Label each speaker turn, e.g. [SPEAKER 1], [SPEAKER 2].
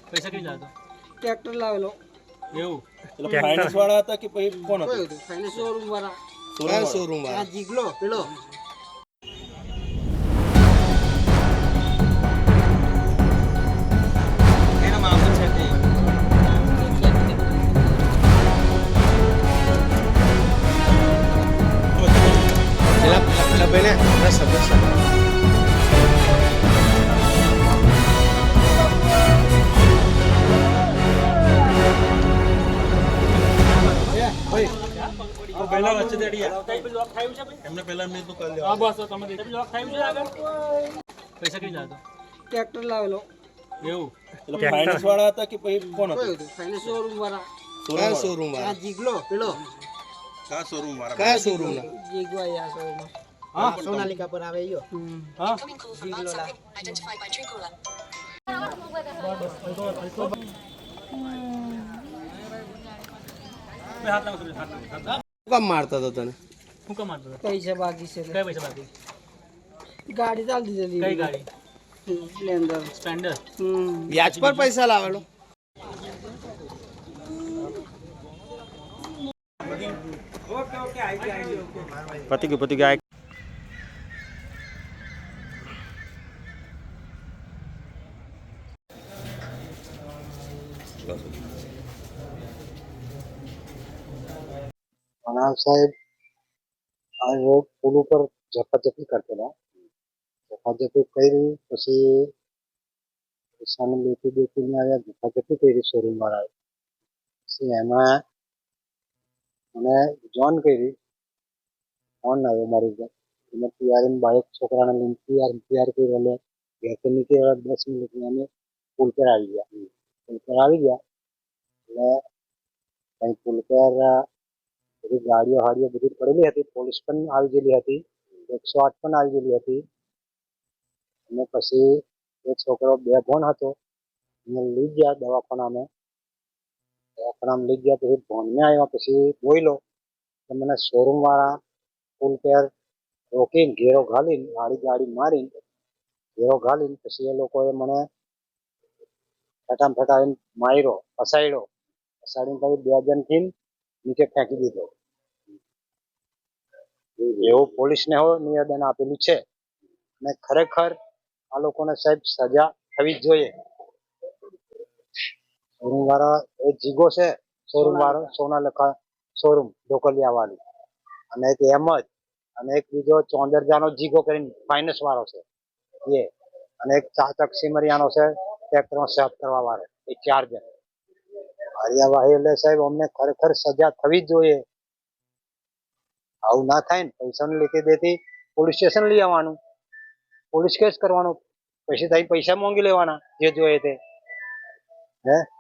[SPEAKER 1] પૈસા કઈ લાવતો
[SPEAKER 2] ટ્રેક્ટર લાવેલો
[SPEAKER 1] એવું
[SPEAKER 3] એટલે ફાઇનાન્સ વાળા હતા કે પછી કોણ
[SPEAKER 2] કોઈ
[SPEAKER 3] હતું?
[SPEAKER 2] હતું ફાઇનાન્સ શોરૂમ વાળા
[SPEAKER 3] શોરૂમ
[SPEAKER 2] આ જીગલો પેલો
[SPEAKER 1] એનો મામલો છે તે પહેલા વચ્ચે દેડિયા લોક થાયું છે ભાઈ
[SPEAKER 3] એમને પહેલા મેં તો કરી
[SPEAKER 1] હા બસ તમે દેખી લોક થાયું છે આગળ પૈસા કઈ લાવતો
[SPEAKER 2] ટ્રેક્ટર લાવેલો
[SPEAKER 1] એવું
[SPEAKER 3] એટલે ફાઇનાન્સ વાળા હતા કે પછી કોણ
[SPEAKER 2] કોઈ
[SPEAKER 3] હતું?
[SPEAKER 2] હતું ફાઇનાન્સ શોરૂમ વાળા
[SPEAKER 3] શોરૂમ
[SPEAKER 2] આ જીગલો પેલો
[SPEAKER 3] કયા શોરૂમ વાળા?
[SPEAKER 2] જીગવા આ શોરૂમ
[SPEAKER 1] હા
[SPEAKER 2] સોનાલિકા પર આવે યો
[SPEAKER 1] હા
[SPEAKER 2] જીગલો લા
[SPEAKER 1] બે હાથ લાવો હાથ
[SPEAKER 4] કામ મારતા હતા તને?
[SPEAKER 1] હું કામ મારતો હતો?
[SPEAKER 2] પૈસા બાકી છે
[SPEAKER 1] કઈ પૈસા બાકી
[SPEAKER 2] ગાડી ચાલ દીધેલી
[SPEAKER 1] કઈ ગાડી
[SPEAKER 2] સ્પ્લેન્ડર
[SPEAKER 1] સ્પ્લેન્ડર
[SPEAKER 4] વ્યાજ પર પૈસા લાવેલો? પતી ગયું
[SPEAKER 5] मनाल साहेब आज वो पुल पर झपाझपी करते ना झपाझपी करी પછી પૈસાને લેતી દેતી ને આવ્યા ઝપાઝપી કરી શોરૂમ વાળાએ પછી એમાં મને જોન કરી ફોન આવ્યો મારી ઘર એને પિયારીને બાઈક છોકરાને લઈને તૈયાર કરી એટલે ઘેરથી નીકળ્યા 10 મિનિટમાં અમે પુલ પર આવી ગયા એટલે કઈ પુલ પર બધી ગાડીઓ હાડીઓ બધી પડેલી હતી પોલીસ પણ આવી ગયેલી હતી 108 પણ આવી ગયેલી હતી અને પછી એ છોકરો બેભાન હતો એને લઈ ગયા દવાખાનામાં લઈ ગયા પછી ભોનમાં આવ્યા પછી બોલ્યો કે મને શોરૂમ વાળા પુલ પર રોકીને ઘેરો ઘાલીને ગાડી મારીને ઘેરો ઘાલીને પછી એ લોકોએ મને ફટાફટાવીને માર્યો ફસાડ્યો ફસાડીને પછી 2 જણથી નીચે ફેંકી દીધો એવું પોલીસને નિવેદન આપેલું છે અને ખરેખર આ લોકોને સાહેબ સજા થવી જ જોઈએ શોરૂમ વાળા એ જીગો છે શોરૂમ વાળો સોનાલિકા શોરૂમ ઢોકલિયા વાળી અને એક અહેમદ અને એક બીજો ચોંદરજાનો જીગો કરીને ફાઇનાન્સ વાળો છે એ અને એક ચાચક સિમરિયાનો છે ટ્રેક્ટરમાં સાફ કરવા વાળો એ 4 જણ કાર્યવાહી એટલે સાહેબ અમને ખરેખર સજા થવી જ જોઈએ આવું ના થાય ને પૈસાની લેતી દેતી પોલીસ સ્ટેશન લઈ આવવાનું પોલીસ કેસ કરવાનો પછી પૈસા માંગી લેવાના જે જોઈએ તે હે